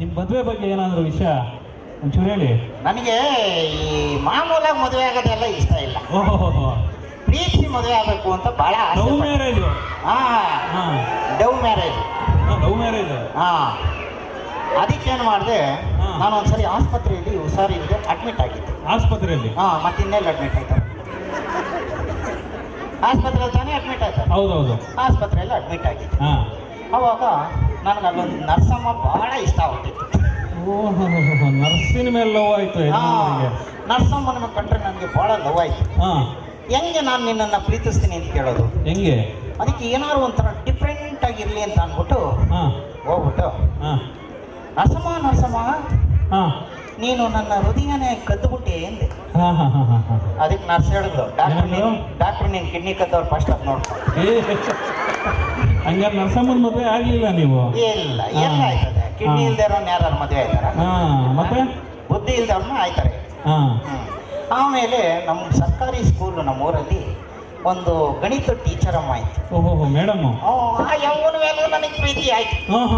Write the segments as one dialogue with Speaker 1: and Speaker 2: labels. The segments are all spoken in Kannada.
Speaker 1: ನಿಮ್ಮ ಮದುವೆ ಬಗ್ಗೆ ಏನಾದರೂ ವಿಷಯ ಒಂಚೂರು ಹೇಳಿ.
Speaker 2: ನನಗೆ ಈ ಮಾಮೂಲಾಗಿ ಮದುವೆ ಆಗೋದೆಲ್ಲ ಇಷ್ಟ ಇಲ್ಲ.
Speaker 1: ಓಹೋ,
Speaker 2: ಪ್ರೀತಿ ಮದುವೆ ಆಗಬೇಕು ಅಂತ ಬಹಳ
Speaker 1: love marriage.
Speaker 2: Dove marriage.
Speaker 1: Love marriage.
Speaker 2: ಅದಕ್ಕೇನು ಮಾಡಿದೆ, ನಾನು ಒಂದ್ಸರಿ ಆಸ್ಪತ್ರೆಯಲ್ಲಿ ಹುಷಾರಿಲ್ಲದೆ ಅಡ್ಮಿಟ್ ಆಗಿದ್ದೆ.
Speaker 1: ಆಸ್ಪತ್ರೆಯಲ್ಲಿ?
Speaker 2: ಮತ್ತಿನ್ನೆಲ್ಲ ಅಡ್ಮಿಟ್ ಆಯ್ತಾರೆ? ಆಸ್ಪತ್ರೆಯಲ್ಲಿ ತಾನೇ ಅಡ್ಮಿಟ್ ಆಯ್ತಾರೆ.
Speaker 1: ಹೌದೌದು,
Speaker 2: ಆಸ್ಪತ್ರೆಯಲ್ಲಿ ಅಡ್ಮಿಟ್ ಆಗಿದ್ದೆ. ಅವಾಗ ನನಗೆ ಅಲ್ಲೊಂದು ನರ್ಸಮ್ಮ ಬಹಳ ಇಷ್ಟ ಆಗ್ಬಿಟ್ಟಿತ್ತು.
Speaker 1: ಓಹೋ, ನರ್ಸಿನ ಮೇಲೆ ಲವ್ ಆಯ್ತು.
Speaker 2: ನರ್ಸಮ್ಮನ ಕಂಡ್ರೆ ನನಗೆ ಬಹಳ ಲವ್ ಆಯ್ತು. ಹೆಂಗೆ ನಾನು ನಿನ್ನನ್ನು ಪ್ರೀತಿಸ್ತೀನಿ ಅಂತ ಕೇಳೋದು?
Speaker 1: ಹೆಂಗೆ?
Speaker 2: ಅದಕ್ಕೆ ಏನಾದ್ರು ಒಂಥರ ಡಿಫ್ರೆಂಟ್ ಆಗಿರ್ಲಿ ಅಂತ ಅಂದ್ಬಿಟ್ಟು ಹೋಗ್ಬಿಟ್ಟು, ನರಸಮ್ಮ ನೀನು ನನ್ನ ಹೃದಯನೇ ಕದ್ದುಬಿಟ್ಟೆ ಎಂದೆ. ಅದಕ್ಕೆ ನರ್ಸ್ ಹೇಳಿದ್ರು, ಡಾಕ್ಟ್ರು ನೀನು ಕಿಡ್ನಿ ಕದ್ದವ್ರು ಫಸ್ಟ್ ಅದು ನೋಡ್ಕೊ.
Speaker 1: ಹಂಗಾರೆ ನರಸಮ್ಮನ ಮದುವೆ ಆಗ್ಲಿಲ್ಲ ನೀವು?
Speaker 2: ಇಲ್ಲ, ಎಲ್ಲ ಆಯ್ತದೆ. ಕಿಡ್ನಿ ಇಲ್ದೇ ಇರೋನ್ ಯಾರು ಮದುವೆ ಆಯ್ತಾರ?
Speaker 1: ಮತ್ತೆ
Speaker 2: ಬುದ್ಧಿ ಇಲ್ದವ್ರನ್ನ ಆಯ್ತಾರೆ. ಆಮೇಲೆ ನಮ್ಮ ಸರ್ಕಾರಿ ಸ್ಕೂಲು ನಮ್ಮೂರಲ್ಲಿ ಒಂದು ಗಣಿತ ಟೀಚರ್ ಅಮ್ಮ ಆಯ್ತು.
Speaker 1: ಓಹೋ, ಮೇಡಮ್.
Speaker 2: ಯಾವನ ಮೇಲೂ ನನಗೆ ಪ್ರೀತಿ ಆಯ್ತು.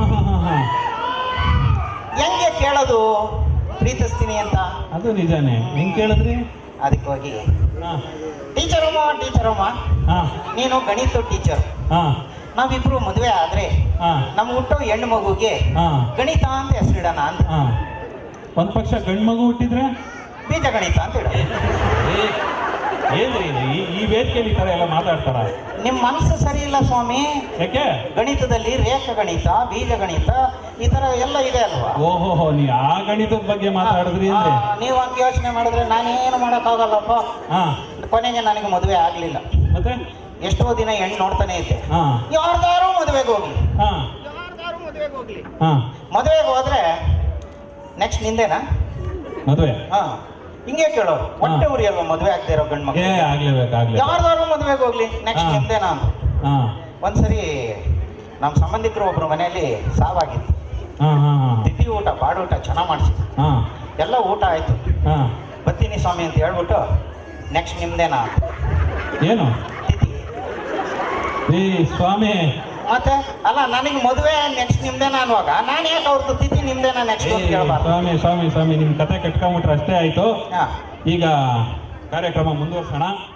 Speaker 2: ಹೆಂಗೆ ಕೇಳೋದು ಪ್ರೀತಿಸ್ತೀನಿ ಅಂತ?
Speaker 1: ಅದು ನಿಜಾನೇ. ಹೆಂಗೆ ಕೇಳಿದ್ರಿ?
Speaker 2: ಅದಕ್ಕೆ ಹೋಗಿ, ಟೀಚರಮ್ಮ ನೀನು ಗಣಿತ ಟೀಚರ್, ನಾವಿಬ್ರು ಮದುವೆ ಆದ್ರೆ ನಮ್ಮ ಹುಟ್ಟೋ ಹೆಣ್ಣು ಮಗುಗೆ ಗಣಿತ ಅಂತ ಹೆಸರಿಡೋಣ ಅಂತ.
Speaker 1: ಒಂದ್ ಪಕ್ಷ ಗಂಡು ಮಗು ಹುಟ್ಟಿದ್ರೆ
Speaker 2: ಬೀಜ ಗಣಿತ ಅಂತ ಹೇಳ.
Speaker 1: ಏನ್ರಿ ಈ ವೇದಿಕೆಯಲ್ಲಿ ಈ ಥರ ಎಲ್ಲ ಮಾತಾಡ್ತಾರ?
Speaker 2: ನಿಮ್ಮ ಮನಸ್ಸು ಸರಿ ಇಲ್ಲ ಸ್ವಾಮಿ.
Speaker 1: ಯಾಕೆ?
Speaker 2: ಗಣಿತದಲ್ಲಿ ರೇಖ ಗಣಿತ, ಬೀಜ ಗಣಿತ ಈ ತರ ಎಲ್ಲ ಇದೆ ಅಲ್ವಾ?
Speaker 1: ಓಹೋ, ನೀ ಆ ಗಣಿತದ ಬಗ್ಗೆ ಮಾತಾಡಿದ್ರಿ ಅಂದ್ರೆ
Speaker 2: ನೀವು ಹಂಗೆ ಯೋಚನೆ ಮಾಡಿದ್ರೆ ನಾನೇನು ಮಾಡೋಕ್ಕಾಗಲ್ಲಪ್ಪ. ಕೊನೆಗೆ ನನಗೆ ಮದುವೆ ಆಗ್ಲಿಲ್ಲ.
Speaker 1: ಮತ್ತೆ
Speaker 2: ಎಷ್ಟೋ ದಿನ ಹೆಣ್ಣು ನೋಡ್ತಾನೆ ಇದ್ದೆ. ಯಾರ್ದಾರು ಮದುವೆಗೆ ಹೋಗ್ಲಿ, ಮದುವೆಗೆ ಹೋದ್ರೆ ನೆಕ್ಸ್ಟ್ ನಿಂದೇನಾ ಮದುವೆ? ಹಿಂಗೆ ಕೇಳೋರು. ಹೊಟ್ಟೆ ಉರಿ ಅಲ್ವಾ ಮದುವೆ ಆಗದೆ ಇರೋ ಗಂಡು ಮಕ್ಕಳು? ಯಾರ್ದಾರು ಮದುವೆಗೆ ಹೋಗ್ಲಿ ನೆಕ್ಸ್ಟ್ ನಿಂದೇನಾ ಅಂತ. ಒಂದ್ಸರಿ ನಮ್ಮ ಸಂಬಂಧಿಕರು ಒಬ್ರು ಮನೆಯಲ್ಲಿ ಸಾವಾಗಿತ್ತು. ತಿಥಿ ಊಟ, ಬಾಡೂಟ ಚೆನ್ನಾಗಿ ಮಾಡಿಸಿದ್ರು. ಎಲ್ಲ ಊಟ ಆಯ್ತು. ಬರ್ತೀನಿ ಸ್ವಾಮಿ ಅಂತ ಹೇಳ್ಬಿಟ್ಟು ನೆಕ್ಸ್ಟ್ ನಿಮ್ದೇನಾ
Speaker 1: ಏನು
Speaker 2: ತಿಥಿ?
Speaker 1: ಸ್ವಾಮಿ
Speaker 2: ಮತ್ತೆ ಅಲ್ಲ, ನನಗೆ ಮದುವೆ ನೆಕ್ಸ್ಟ್ ನಿಮ್ದೇನಾ ಅನ್ನುವಾಗ ನಾನು ಯಾಕೆ ಅವ್ರದ್ದು ತಿಥಿ ನಿಮ್ದೇನಾ ನೆಕ್ಸ್ಟ್ ಅಂತ ಕೇಳಬಾರ್ದು?
Speaker 1: ಸ್ವಾಮಿ ನಿಮ್ ಕತೆ ಕಟ್ಕೊಂಡ್ಬಿಟ್ರೆ ಅಷ್ಟೇ ಆಯ್ತು. ಈಗ ಕಾರ್ಯಕ್ರಮ ಮುಂದುವರ್ಸೋಣ.